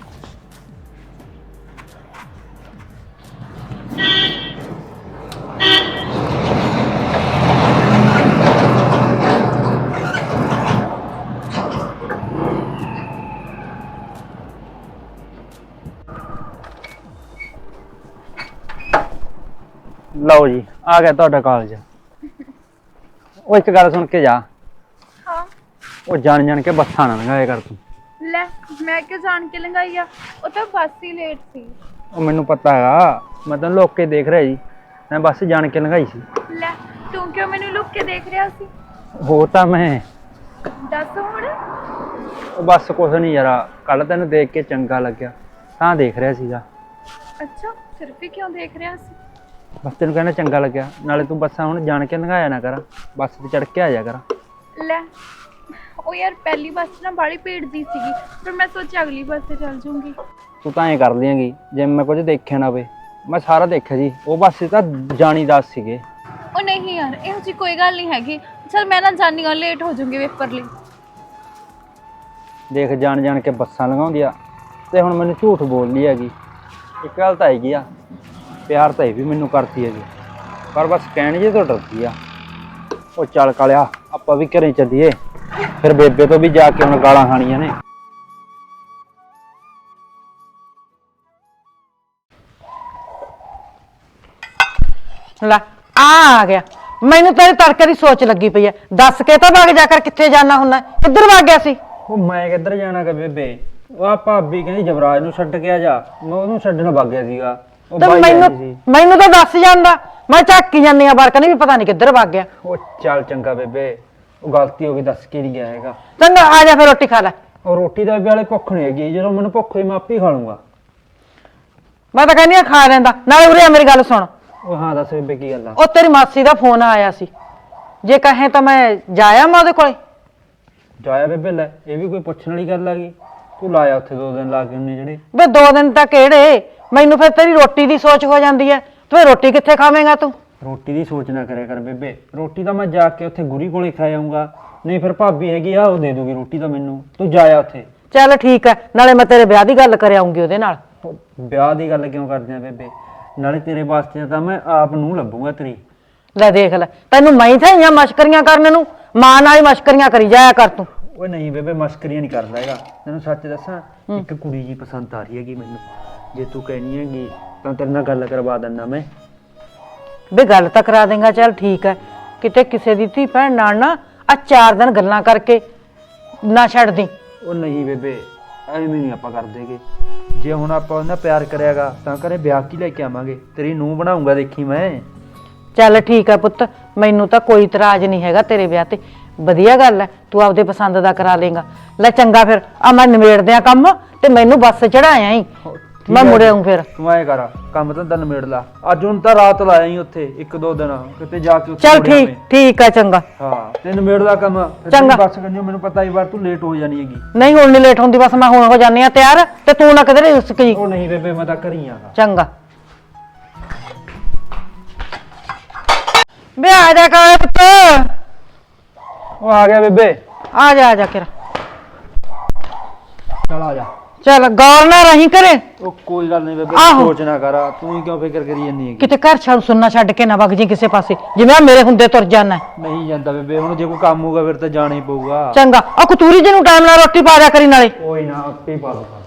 Speaker 6: ਲਓ ਜੀ, ਆ ਗਿਆ ਤੁਹਾਡਾ ਕਾਲਜ। ਉਹ ਇੱਕ ਗੱਲ ਸੁਣ ਕੇ ਜਾ।
Speaker 3: ਹਾਂ।
Speaker 6: ਉਹ ਜਾਣ ਕੇ ਬੱਸਾਂ ਨਾ ਲੰਘਾਇਆ ਕਰ ਤੂੰ।
Speaker 3: ਲੈ ਮੈਂ ਕਿਉਂ ਜਾਣ ਕੇ ਲੰਘਾਈ ਆ? ਉਹ ਤਾਂ ਬੱਸ ਹੀ ਲੇਟ ਸੀ।
Speaker 6: ਉਹ ਮੈਨੂੰ ਪਤਾ ਹੈਗਾ, ਮੈਂ ਤੈਨੂੰ ਲੁੱਕ ਕੇ ਦੇਖ ਰਿਹਾ ਜੀ। ਮੈਂ ਬੱਸ ਜਾਣ ਕੇ ਲੰਘਾਈ ਸੀ।
Speaker 3: ਲੈ ਤੂੰ ਕਿਉਂ ਮੈਨੂੰ ਲੁੱਕ ਕੇ ਦੇਖ ਰਿਹਾ ਸੀ?
Speaker 6: ਹੋ ਤਾਂ ਮੈਂ
Speaker 3: ਦੱਸ ਹੁਣ।
Speaker 6: ਉਹ ਬੱਸ ਕੁਛ ਨਹੀਂ ਯਾਰ, ਕੱਲ ਤੈਨੂੰ ਦੇਖ ਕੇ ਚੰਗਾ ਲੱਗਿਆ ਤਾਂ ਦੇਖ ਰਿਹਾ ਸੀਗਾ।
Speaker 3: ਅੱਛਾ ਸਿਰਫ ਹੀ ਕਿਉਂ ਦੇਖ ਰਿਹਾ ਸੀ?
Speaker 6: ਬਸ ਤੈਨੂੰ ਕਹਿਣਾ ਚੰਗਾ ਲੱਗਿਆ। ਨਾਲੇ ਤੂੰ ਬੱਸਾਂ ਹੁਣ ਜਾਣ ਕੇ ਲੰਘਾਇਆ ਨਾ ਕਰ, ਬੱਸ ਤੇ ਚੜ ਕੇ ਆ ਜਾ ਕਰ।
Speaker 3: ਲੈ ਉਹ ਯਾਰ ਪਹਿਲੀ ਬੱਸ ਨਾ ਬਾਹਲੀ ਭੀੜ ਦੀ ਸੀਗੀ, ਫਿਰ ਮੈਂ ਸੋਚਿਆ ਅਗਲੀ ਬੱਸ ਤੇ ਚੱਲ ਜਾਊਂਗੀ।
Speaker 6: ਤੂੰ ਤਾਂ ਐਂ ਕਰ ਦਿਆਂਗੀ ਜੇ ਮੈਂ ਕੁਝ ਦੇਖਿਆ ਨਾ ਹੋਵੇ। ਮੈਂ ਸਾਰਾ ਦੇਖਿਆ ਜੀ, ਉਹ ਬੱਸ ਤਾਂ ਜਾਣੀ ਦੱਸ ਸੀਗੇ।
Speaker 3: ਉਹ ਨਹੀਂ ਯਾਰ ਇਹੋ ਜਿਹੀ ਕੋਈ ਗੱਲ ਨਹੀਂ ਹੈਗੀ। ਚਲ ਮੈਂ ਨਾ ਜਾਣੀ ਆ, ਲੇਟ ਹੋ ਜਾਊਂਗੀ ਪੇਪਰ ਲਈ।
Speaker 2: ਦੇਖ ਜਾਣ ਜਾਣ ਕੇ ਬੱਸਾਂ ਲਗਾਉਂਦੀ ਆ ਤੇ ਹੁਣ ਮੈਨੂੰ ਝੂਠ ਬੋਲਦੀ ਹੈਗੀ। ਇੱਕ ਗੱਲ ਤਾਂ ਹੈਗੀ ਆ, ਪਿਆਰ ਤਾਂ ਇਹ ਵੀ ਮੈਨੂੰ ਕਰਦੀ ਹੈਗੀ, ਪਰ ਬਸ ਕਹਿਣ ਜੇ ਤੋਂ ਡਰਦੀ ਆ। ਉਹ ਚੱਲ ਕਾਲਿਆ, ਆਪਾਂ ਵੀ ਘਰੇ ਚੱਲੀਏ, ਫਿਰ ਬੇਬੇ ਤੋਂ ਵੀ ਜਾ ਕੇ ਹੁਣ ਗਾਲਾਂ ਖਾਣੀਆਂ ਨੇ।
Speaker 8: ਲੈ ਆ ਗਿਆ। ਮੈਨੂੰ ਤੇਰੇ ਤੜਕੇ ਦੀ ਸੋਚ ਲੱਗੀ ਪਈ ਐ। ਦੱਸ ਕੇ ਤਾਂ ਵਗ ਜਾ ਕਰ, ਕਿੱਥੇ ਜਾਣਾ ਹੁੰਦਾ? ਕਿੱਧਰ ਵਗ ਗਿਆ ਸੀ?
Speaker 2: ਉਹ ਮੈਂ ਕਿੱਧਰ ਜਾਣਾ ਕਿ ਬੇਬੇ, ਉਹ ਆ ਭਾਬੀ ਕਹਿੰਦੀ ਜਵਰਾਜ ਨੂੰ ਛੱਡ ਕੇ ਆ ਜਾ, ਮੈਂ ਉਹਨੂੰ ਛੱਡਣ ਵਗ ਗਿਆ ਸੀਗਾ। ਉਹ
Speaker 8: ਤੇ
Speaker 2: ਬਾਈ ਆਈ
Speaker 8: ਮੈਨੂੰ
Speaker 2: ਸੀ।
Speaker 8: ਮੈਨੂੰ ਤਾਂ ਦੱਸ ਜਾਂਦਾ, ਮੈਂ ਝਾਕੀ ਜਾਂਦੀ ਆ ਬਾਹਰ, ਕਹਿੰਦੀ ਵੀ ਪਤਾ ਨਹੀਂ ਕਿੱਧਰ ਵਗ ਗਿਆ।
Speaker 2: ਉਹ ਚੱਲ ਚੰਗਾ ਬੇਬੇ, ਉਹ ਗਲਤੀ ਹੋ ਗਈ, ਦੱਸ ਕੇ ਨਹੀਂ ਗਿਆ ਹੈਗਾ।
Speaker 8: ਚੰਗਾ ਆ ਜਾ ਫਿਰ ਰੋਟੀ ਖਾ ਲੈ।
Speaker 2: ਉਹ ਰੋਟੀ ਦਾ ਵੀ ਵਾਲੇ ਭੁੱਖ ਨਹੀਂ ਹੈਗੀ, ਜਦੋਂ ਮੈਨੂੰ ਭੁੱਖ ਹੋਈ ਮੈਂ ਆਪੇ ਹੀ ਖਾ ਲੂੰਗਾ।
Speaker 8: ਮੈਂ ਤਾਂ ਕਹਿੰਦੀ ਆ ਖਾ ਲੈਂਦਾ। ਨਾਲੇ ਉਰੇ ਆ ਮੇਰੀ ਗੱਲ ਸੁਣ।
Speaker 2: ਉਹ ਹਾਂ ਦੱਸ ਬੇਬੇ ਕੀ ਗੱਲ ਆ?
Speaker 8: ਉਹ ਤੇਰੀ ਮਾਸੀ ਦਾ ਫੋਨ ਆਇਆ ਸੀ, ਜੇ ਕਹੇ ਤਾਂ ਮੈਂ ਜਾਇਆ ਮੈਂ ਉਹਦੇ ਕੋਲੇ।
Speaker 2: ਜਾਇਆ ਬੇਬੇ, ਲੈ ਇਹ ਵੀ ਕੋਈ ਪੁੱਛਣ ਵਾਲੀ ਗੱਲ ਆ ਗਈ? ਤੂੰ ਲਾਇਆ ਉੱਥੇ 2 ਦਿਨ ਲਾ ਕੇ ਉਹਨੇ ਜਿਹੜੇ।
Speaker 8: ਵੇ 2 ਦਿਨ ਤਾਂ ਕਿਹੜੇ, ਮੈਨੂੰ ਫਿਰ ਤੇਰੀ ਰੋਟੀ ਦੀ ਸੋਚ ਹੋ ਜਾਂਦੀ ਐ। ਤੂੰ ਇਹ ਰੋਟੀ ਕਿੱਥੇ ਖਾਵੇਂਗਾ ਤੂੰ?
Speaker 2: ਰੋਟੀ ਦੀ ਸੋਚ ਨਾ ਕਰਿਆ ਕਰ ਬੇਬੇ, ਰੋਟੀ ਤਾਂ ਮੈਂ ਜਾ ਕੇ ਉੱਥੇ ਗੁਰੀ ਕੋਲੇ ਖਾ ਆਊਂਗਾ, ਨਹੀਂ ਫਿਰ ਭਾਬੀ ਹੈਗੀ ਆ ਉਹ ਦੇ ਦੂਗੀ ਰੋਟੀ ਤਾਂ ਮੈਨੂੰ। ਤੂੰ ਜਾਇਆ ਉੱਥੇ।
Speaker 8: ਚੱਲ ਠੀਕ ਐ, ਨਾਲੇ ਮੈਂ ਤੇਰੇ ਵਿਆਹ ਦੀ ਗੱਲ ਕਰ ਆਉਂਗੀ ਉਹਦੇ ਨਾਲ।
Speaker 2: ਉਹ ਵਿਆਹ ਦੀ ਗੱਲ ਕਿਉਂ ਕਰਦੇ ਆ ਬੇਬੇ? ਨਾਲੇ ਤੇਰੇ ਵਾਸਤੇ ਤਾਂ ਮੈਂ ਆਪ ਨੂੰ ਲੱਭੂਗਾ ਤੇਰੀ।
Speaker 8: ਲੈ ਦੇਖ ਲੈ, ਤੈਨੂੰ ਮੈਂ ਹੀ ਥਾਈਆਂ ਮਸ਼ਕਰੀਆਂ ਕਰਨ ਨੂੰ, ਮਾਂ ਨਾਲ ਹੀ ਮਸ਼ਕਰੀਆਂ ਕਰੀ ਜਾਇਆ ਕਰ ਤੂੰ।
Speaker 2: ਓਏ ਨਹੀਂ ਬੇਬੇ, ਮਸਕਰੀਆਂ ਨਹੀਂ ਕਰਦਾ ਹੈਗਾ, ਤੈਨੂੰ ਸੱਚ ਦੱਸਾਂ, ਇੱਕ ਕੁੜੀ ਜੀ ਪਸੰਦ ਆ ਰਹੀ ਹੈਗੀ ਮੈਨੂੰ। ਜੇ ਤੂੰ ਕਹਿਣੀ ਹੈਗੀ ਤਾਂ ਤੇਰੇ ਨਾਲ ਗੱਲ ਕਰਵਾ ਦਿੰਦਾ ਮੈਂ।
Speaker 8: ਵੇ ਗੱਲ ਤਾਂ ਕਰਾ ਦੇਂਗਾ, ਚੱਲ ਠੀਕ ਹੈ। ਕਿਤੇ ਕਿਸੇ ਦੀ ਧੀ ਭੈਣ ਨਾਲ ਨਾ ਆ 4 ਦਿਨ ਗੱਲਾਂ ਕਰਕੇ ਨਾ ਛੱਡਦੀ।
Speaker 2: ਉਹ ਨਹੀਂ ਬੇਬੇ, ਐਵੇਂ ਨਹੀਂ ਆਪਾਂ ਕਰਦੇਗੇ। ਜੇ ਹੁਣ ਆਪਾਂ ਉਹਨਾਂ ਪਿਆਰ ਕਰਿਆਗਾ ਤਾਂ ਘਰੇ ਵਿਆਹ ਕੀ ਲੈ ਕੇ ਆਵਾਂਗੇ, ਤੇਰੀ ਨੂੰਹ ਬਣਾਉਂਗਾ ਦੇਖੀ ਮੈਂ।
Speaker 8: ਚੱਲ ਠੀਕ ਹੈ ਪੁੱਤ, ਮੈਨੂੰ ਤਾਂ ਕੋਈ ਇਤਰਾਜ਼ ਨਹੀਂ ਹੈਗਾ ਤੇਰੇ ਵਿਆਹ ਤੇ। ਵਧੀਆ ਗੱਲ ਹੈ, ਤੂੰ ਆਪਦੇ ਪਸੰਦ ਦਾ ਕਰਾ ਲੇਗਾ। ਲੈ ਚੰਗਾ ਫਿਰ, ਆ ਮੈਂ ਨਿਬੇੜਦੇ ਆ ਕੰਮ ਤੇ ਮੈਨੂੰ ਬੱਸ ਚੜਾਇਆ ਹੀ, ਮੈਂ ਮੁੜੇ ਆਉਂ ਫਿਰ।
Speaker 2: ਤੂੰ ਐ ਕਰ, ਕੰਮ ਤਾਂ ਨਿਬੇੜ ਲਾ। ਅੱਜ ਹੁਣ ਤਾਂ ਰਾਤ ਲਾਇਆ ਹੀ ਉੱਥੇ 1-2 ਦਿਨ, ਕਿਤੇ ਜਾ ਕੇ ਉੱਥੇ
Speaker 8: ਚੱਲ
Speaker 2: ਮੁੜ ਆਵੇਂ।
Speaker 8: ਠੀਕ ਹੈ ਚੰਗਾ।
Speaker 2: ਹਾਂ ਤੇ ਨਿਬੇੜ ਲਾ ਕੰਮ। ਫਿਰ
Speaker 8: ਚੰਗਾ।
Speaker 2: ਤੇਰੀ ਬੱਸ ਕੰਨੀ ਮੈਨੂੰ ਪਤਾ ਹੀ ਵਾਰ ਤੂੰ ਲੇਟ ਹੋ ਜਾਣੀ ਹੈਗੀ।
Speaker 8: ਨਹੀਂ ਹੁਣ ਨਹੀਂ ਲੇਟ ਹੁੰਦੀ, ਬਸ ਮੈਂ ਹੁਣ ਹੋ ਜਾਨੀ ਆ ਤਿਆਰ, ਤੇ ਤੂੰ ਨਾ ਕਿਧਰੇ ਰੁਸਕੀ।
Speaker 2: ਉਹ ਨਹੀਂ ਬੇਬੇ, ਮੈਂ ਤਾਂ ਘਰੀ ਆਗਾ।
Speaker 8: ਚੰਗਾ ਬੇ ਆ ਜਾ ਕਰ ਪੁੱਤ।
Speaker 2: ਉਹ ਆ ਗਿਆ ਬੇਬੇ।
Speaker 8: ਆ ਜਾ ਕਿਰਾ।
Speaker 2: ਚਲ ਆ ਜਾ।
Speaker 8: ਚੱਲ ਗੌਰ ਨਾ ਰਹੀ ਕਰੇ,
Speaker 2: ਉਹ ਕੋਈ ਗੱਲ ਨਹੀਂ ਬੇਬੇ,
Speaker 8: ਆਹੋ।
Speaker 2: ਸੋਚ ਨਾ ਕਰ, ਤੂੰ ਹੀ ਕਿਉਂ ਫਿਕਰ ਕਰੀ ਜਾਂਦੀ ਹੈਗੀ?
Speaker 8: ਕਿਤੇ ਘਰ ਛੱਡ ਸੁਣਨਾ ਛੱਡ ਕੇ ਨਾ ਵਗ ਜੀ ਕਿਸੇ ਪਾਸੇ, ਜਿਵੇਂ ਆ ਮੇਰੇ ਹੁੰਦੇ ਤੁਰ ਜਾਣਾ।
Speaker 2: ਨਹੀਂ ਜਾਂਦਾ ਬੇਬੇ, ਹੁਣ ਜੇ ਕੋਈ ਕੰਮ ਹੋਊਗਾ ਫਿਰ ਤਾਂ ਜਾਣਾ ਹੀ ਪਊਗਾ।
Speaker 8: ਚੰਗਾ, ਉਹ ਕਤੂਰੀ ਜੀ ਨੂੰ ਟਾਈਮ ਨਾਲ ਰੋਟੀ ਪਾ ਦਿਆ ਕਰੀ ਨਾਲੇ।
Speaker 2: ਕੋਈ ਨਾ, ਆਪੇ ਹੀ ਪਾ ਦੂੰਗਾ।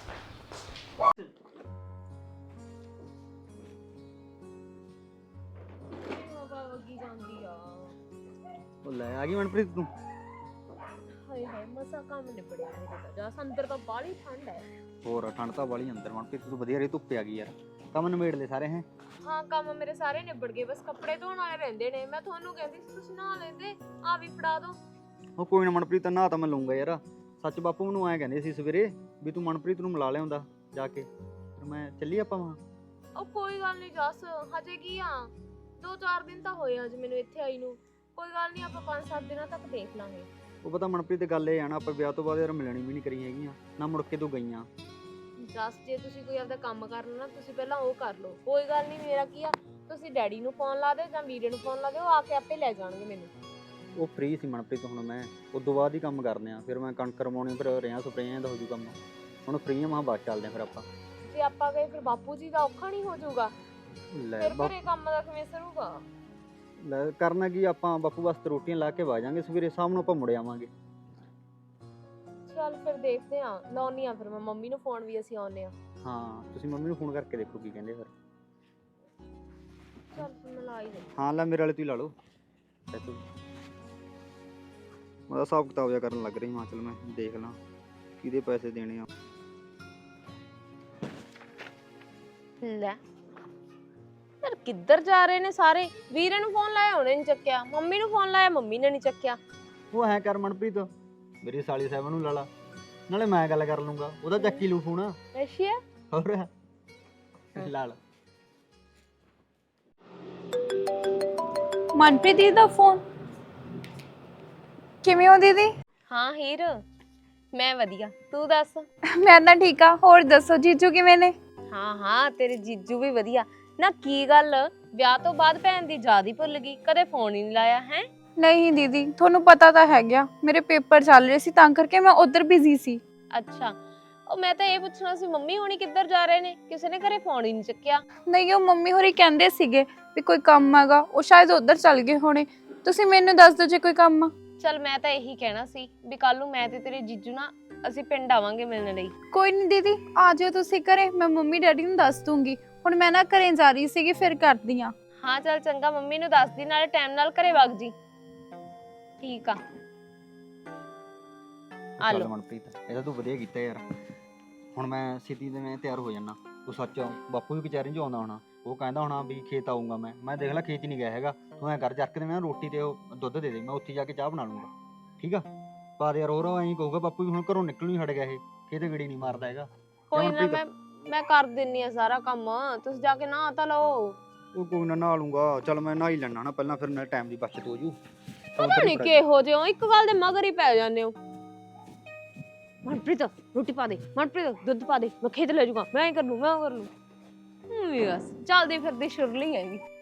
Speaker 6: ਉਹ ਲੈ ਆ ਗਈ ਮਨਪ੍ਰੀਤ ਤੂੰ।
Speaker 7: ਹਾਏ ਹਾਏ ਮਸਾ ਕੰਮ ਨਿਬੜਿਆ ਮੇਰੇ ਤਾਂ। ਜਾ ਅੰਦਰ ਤਾਂ ਬਾਹਲੀ ਠੰਡ ਹੈ।
Speaker 6: ਹੋਰ ਠੰਡ ਤਾਂ ਵਾਲੀ ਅੰਦਰ ਮਨਪ੍ਰੀਤ, ਤੂੰ ਵਧੀਆ ਰਹੀ, ਧੁੱਪੇ ਆ ਗਈ ਯਾਰ। ਕੰਮ ਨਿਬੇੜ ਲੈ ਸਾਰੇ ਹੈ?
Speaker 7: ਹਾਂ ਕੰਮ ਮੇਰੇ ਸਾਰੇ ਨਿਬੜ ਗਏ, ਬਸ ਕੱਪੜੇ ਧੋਣ ਵਾਲੇ ਰਹਿੰਦੇ ਨੇ। ਮੈਂ ਤੁਹਾਨੂੰ ਕਹਿੰਦੀ ਸੀ ਤੁਸੀਂ ਨਹਾ ਲੈਂਦੇ, ਆ ਵੀ ਫੜਾ ਦੋ।
Speaker 6: ਉਹ ਕੋਈ ਨਾ ਮਨਪ੍ਰੀਤ, ਨਹਾ ਤਾਂ ਮੈਂ ਲਊਂਗਾ ਯਾਰ। ਸੱਚ ਬਾਪੂ ਮੈਨੂੰ ਐਂ ਕਹਿੰਦੇ ਸੀ ਸਵੇਰੇ ਵੀ ਤੂੰ ਮਨਪ੍ਰੀਤ ਨੂੰ ਮਿਲਾ ਲਿਆਉਂਦਾ ਜਾ ਕੇ, ਫਿਰ ਮੈਂ ਚੱਲੀ ਆਪਾਂ ਵਾਂ।
Speaker 7: ਉਹ ਕੋਈ ਗੱਲ ਨਹੀਂ ਜੱਸ, ਹਜੇ ਕੀ ਆ, 2-4 ਦਿਨ ਤਾਂ ਹੋਏ ਅੱਜ ਮੈਨੂੰ ਇੱਥੇ ਆਈ ਨੂੰ। ਕੋਈ ਗੱਲ ਨਹੀਂ, ਆਪਾਂ 5-7 ਦਿਨਾਂ ਤੱਕ ਦੇਖ ਲਾਂਗੇ।
Speaker 6: ਉਹ ਪਤਾ ਮਨਪ੍ਰੀਤ ਗੱਲ ਇਹ ਆ ਨਾ, ਆਪਾਂ ਵਿਆਹ ਤੋਂ ਬਾਅਦ ਯਾਰ ਮਿਲਣੀ ਵੀ ਨਹੀਂ ਕਰੀ ਹੈਗੀਆਂ ਨਾ, ਮੁੜ ਕੇ ਤੂੰ ਗਈਆਂ।
Speaker 7: ਜੱਸ ਜੇ ਤੁਸੀਂ ਕੋਈ ਆਪਦਾ ਕੰਮ ਕਰਨਾ ਨਾ, ਤੁਸੀਂ ਪਹਿਲਾਂ ਉਹ ਕਰ ਲਓ। ਕੋਈ ਗੱਲ ਨਹੀਂ, ਮੇਰਾ ਕੀ ਆ, ਤੁਸੀਂ ਡੈਡੀ ਨੂੰ ਫੋਨ ਲਾ ਦਿਓ ਜਾਂ ਵੀਰੇ ਨੂੰ ਫੋਨ ਲਾ ਦਿਓ, ਉਹ ਆ ਕੇ ਆਪੇ ਲੈ ਜਾਣਗੇ ਮੈਨੂੰ।
Speaker 6: ਉਹ ਫ੍ਰੀ ਸੀ ਮਨਪ੍ਰੀਤ, ਹੁਣ ਮੈਂ ਉਦੋਂ ਬਾਅਦ ਹੀ ਕੰਮ ਕਰਨੇ ਆ, ਫਿਰ ਮੈਂ ਕਣਕ ਰਮਾਉਣੀ, ਫਿਰ ਰਿਆਂ ਸਪਰੇਆਂ ਦਾ ਹੋ ਜੂ ਕੰਮ। ਹੁਣ ਫ੍ਰੀ ਆ, ਮੈਂ ਬਾਅਦ ਚੱਲਦੇ ਆ ਫਿਰ ਆਪਾਂ।
Speaker 7: ਜੇ ਆਪਾਂ ਗਏ ਫਿਰ ਬਾਪੂ ਜੀ ਦਾ ਔਖਾ ਨਹੀਂ ਹੋ ਜਾਊਗਾ?
Speaker 6: ਲੈ
Speaker 7: ਫਿਰ ਘਰੇ ਕੰਮ ਦਾ ਕਿਵੇਂ ਸਰੂਗਾ?
Speaker 6: ਲੈ ਕਰਨਾ ਕੀ, ਆਪਾਂ ਬਾਪੂ ਵਾਸਤੇ ਰੋਟੀਆਂ ਲਾ ਕੇ ਵਾ ਜਾਾਂਗੇ, ਸਵੇਰੇ ਸ਼ਾਮ ਨੂੰ ਆਪਾਂ ਮੁੜ ਆਵਾਂਗੇ।
Speaker 7: ਚੱਲ ਫਿਰ ਦੇਖਦੇ ਆ, ਲਾਉਣੀ ਆ ਫਿਰ ਮੈਂ ਮੰਮੀ ਨੂੰ ਫੋਨ, ਵੀ ਅਸੀਂ ਆਉਨੇ ਆ।
Speaker 6: ਹਾਂ ਤੁਸੀਂ ਮੰਮੀ ਨੂੰ ਫੋਨ ਕਰਕੇ ਦੇਖੋ ਕੀ ਕਹਿੰਦੇ ਫਿਰ।
Speaker 7: ਚੱਲ ਫਿਰ ਮੈਂ ਲਾ ਹੀ ਦੇ।
Speaker 6: ਹਾਂ ਲੈ ਮੇਰੇ ਵਾਲੇ ਤੂੰ ਲਾ ਲਓ ਪੈਸੇ। ਮੈਂ ਤਾਂ ਹਿਸਾਬ ਕਿਤਾਬ ਜਿਹਾ ਕਰਨ ਲੱਗ ਰਹੀ ਹਾਂ, ਚਲ ਮੈਂ ਦੇਖ ਲਾਂ ਕਿਹਦੇ ਪੈਸੇ ਦੇਣੇ ਆ।
Speaker 7: ਲੈ ਯਾਰ ਕਿੱਧਰ ਜਾ ਰਹੇ ਨੇ ਸਾਰੇ? ਵੀਰੇ ਨੂੰ ਫੋਨ ਲਾਇਆ ਉਹਨੇ ਨਹੀਂ ਚੱਕਿਆ, ਮੰਮੀ ਨੂੰ ਫੋਨ ਲਾਇਆ ਮੰਮੀ ਨੇ ਨਹੀਂ ਚੱਕਿਆ।
Speaker 6: ਉਹ ਐ ਕਰ ਮਨਪ੍ਰੀਤ, ਮੇਰੀ ਸਾਲੀ ਸਾਹਿਬ ਨੂੰ ਲਾ ਲਾ, ਨਾਲੇ ਮੈਂ ਗੱਲ ਕਰ ਲੂੰਗਾ, ਉਹਦਾ ਚੱਕੀ ਲੂ ਫੋਨ।
Speaker 7: ਅੱਛਾ
Speaker 6: ਹੋਰ ਲਾ ਲਾ।
Speaker 3: ਮਨਪ੍ਰੀਤ ਦੀ ਦਾ ਫੋਨ। ਕਿਵੇਂ ਹੋ ਦੀਦੀ?
Speaker 7: ਹਾਂ ਹੀਰ, ਮੈਂ ਵਧੀਆ, ਤੂੰ ਦੱਸ?
Speaker 3: ਮੈਂ ਤਾਂ ਠੀਕ ਆ, ਹੋਰ ਦੱਸੋ ਜੀਜੂ ਕਿਵੇਂ ਨੇ?
Speaker 7: ਹਾਂ ਤੇਰੇ ਜੀਜੂ ਵੀ ਵਧੀਆ। ਨਾ ਕੀ ਗੱਲ, ਵਿਆਹ ਤੋਂ ਬਾਅਦ ਭੈਣ ਦੀ ਯਾਦ ਹੀ ਭੁੱਲ ਗਈ, ਕਦੇ ਫੋਨ ਹੀ ਨਹੀਂ ਲਾਇਆ ਹੈ?
Speaker 3: ਨਹੀਂ ਦੀਦੀ, ਤੁਹਾਨੂੰ ਪਤਾ ਤਾਂ ਹੈਗਾ ਮੇਰੇ ਪੇਪਰ ਚੱਲ ਰਹੇ ਸੀ ਤਾਂ ਕਰਕੇ ਮੈਂ ਉਧਰ ਬਿਜ਼ੀ ਸੀ।
Speaker 7: ਅੱਛਾ, ਉਹ ਮੈਂ ਤਾਂ ਇਹ ਪੁੱਛਣਾ ਸੀ ਮੰਮੀ ਹੋਣੀ ਕਿੱਧਰ ਜਾ ਰਹੇ ਨੇ? ਕਿਸੇ ਨੇ ਘਰੇ ਫੋਨ ਹੀ ਨਹੀਂ ਚੱਕਿਆ।
Speaker 3: ਨਹੀਂ, ਉਹ ਮੰਮੀ ਹੋਰੀ ਕਹਿੰਦੇ ਸੀਗੇ ਵੀ ਕੋਈ ਕੰਮ ਹੈਗਾ, ਉਹ ਸ਼ਾਇਦ ਉਧਰ ਚੱਲ ਗਏ ਹੋਣੇ। ਤੁਸੀਂ ਮੈਨੂੰ ਦੱਸ ਦਿਓ ਜੇ ਕੋਈ ਕੰਮ ਆ।
Speaker 7: ਚਲ ਮੈਂ ਤਾਂ ਇਹੀ ਕਹਿਣਾ ਸੀ ਵੀ ਕੱਲ ਨੂੰ ਮੈਂ ਤੇ ਤੇਰੇ ਜੀਜੂ ਨਾ ਅਸੀਂ ਪਿੰਡ ਆਵਾਂਗੇ ਮਿਲਣ ਲਈ।
Speaker 3: ਕੋਈ ਨਹੀਂ ਦੀਦੀ, ਆ ਜਾਓ ਤੁਸੀਂ ਘਰੇ, ਮੈਂ ਮੰਮੀ ਡੈਡੀ ਨੂੰ ਦੱਸ ਦੂੰਗੀ। ਹੁਣ ਮੈਂ ਨਾ ਘਰੇ ਜਾ ਰਹੀ ਸੀਗੀ, ਫਿਰ ਕਰਦੀ ਆ।
Speaker 7: ਹਾਂ ਚਲ ਚੰਗਾ, ਮੰਮੀ ਨੂੰ ਦੱਸ ਦੀ, ਨਾਲੇ ਟਾਈਮ ਨਾਲ ਘਰੇ ਵਗ ਜੀ। ਠੀਕ ਆ, ਆ
Speaker 6: ਚੱਲ
Speaker 7: ਲਓ।
Speaker 6: ਮਨਪ੍ਰੀਤ, ਇਹਦਾ ਤੂੰ ਵਧੀਆ ਕੀਤਾ ਯਾਰ। ਹੁਣ ਮੈਂ ਸਿੱਧੀ ਤੇ ਮੈਂ ਤਿਆਰ ਹੋ ਜਾਣਾ। ਉਹ ਸੱਚ ਬਾਪੂ ਵੀ ਕਚਹਿਰੀ 'ਚ ਆਉਂਦਾ ਹੋਣਾ, ਉਹ ਕਹਿੰਦਾ ਹੋਣਾ ਵੀ ਖੇਤ ਆਊਂਗਾ ਮੈਂ ਦੇਖ ਲੈ ਖੇਤ ਹੀ ਨਹੀਂ ਗਿਆ ਹੈਗਾ। ਤੂੰ ਐਂ ਕਰ ਜਰਕ ਦੇ, ਮੈਂ ਰੋਟੀ ਤੇ ਉਹ ਦੁੱਧ ਦੇ ਦੇ, ਮੈਂ ਉੱਥੇ ਜਾ ਕੇ ਚਾਹ ਬਣਾ ਲੂੰਗਾ। ਠੀਕ ਆ? ਪਰ ਯਾਰ ਹੋਰ ਐਂ ਕਹੂਗਾ ਬਾਪੂ ਵੀ ਹੁਣ ਘਰੋਂ ਨਿਕਲ ਨਹੀਂ ਹਟ ਗਿਆ, ਇਹ ਖੇਤ ਗੇੜੀ ਨਹੀਂ ਮਾਰਦਾ ਹੈਗਾ।
Speaker 7: ਕੋਈ ਨਾ, ਮੈਂ ਕਰ ਦਿੰਨੀ ਆ ਸਾਰਾ ਕੰਮ, ਤੁਸੀਂ ਜਾ ਕੇ ਨਹਾ ਤਾਂ ਲਓ।
Speaker 6: ਉਹ ਕੋਈ ਨਾ ਨਹਾ ਲੂੰਗਾ। ਚੱਲ ਮੈਂ ਨਹਾ ਹੀ ਲੈਣਾ ਨਾ ਪਹਿਲਾਂ, ਫਿਰ ਮੇਰੇ ਟਾਈਮ ਦੀ ਬਚਤ ਹੋ ਜੂ।
Speaker 7: ਪਤਾ ਨਹੀਂ ਕਿਹੋ ਜਿਹੇ ਹੋ, ਇੱਕ ਗੱਲ ਦੇ ਮਗਰ ਹੀ ਪੈ ਜਾਂਦੇ ਹੋ। ਮਨਪ੍ਰੀਤ ਰੋਟੀ ਪਾ ਦੇ, ਮਨਪ੍ਰੀਤ ਦੁੱਧ ਪਾ ਦੇ, ਮੈਂ ਖੇਤ ਲੈ ਜਾਊਗਾ, ਮੈਂ ਕਰ ਲੂ। ਬਸ ਚੱਲਦੀ ਫਿਰਦੀ ਸ਼ੁਰਲੀ ਹੈਗੀ।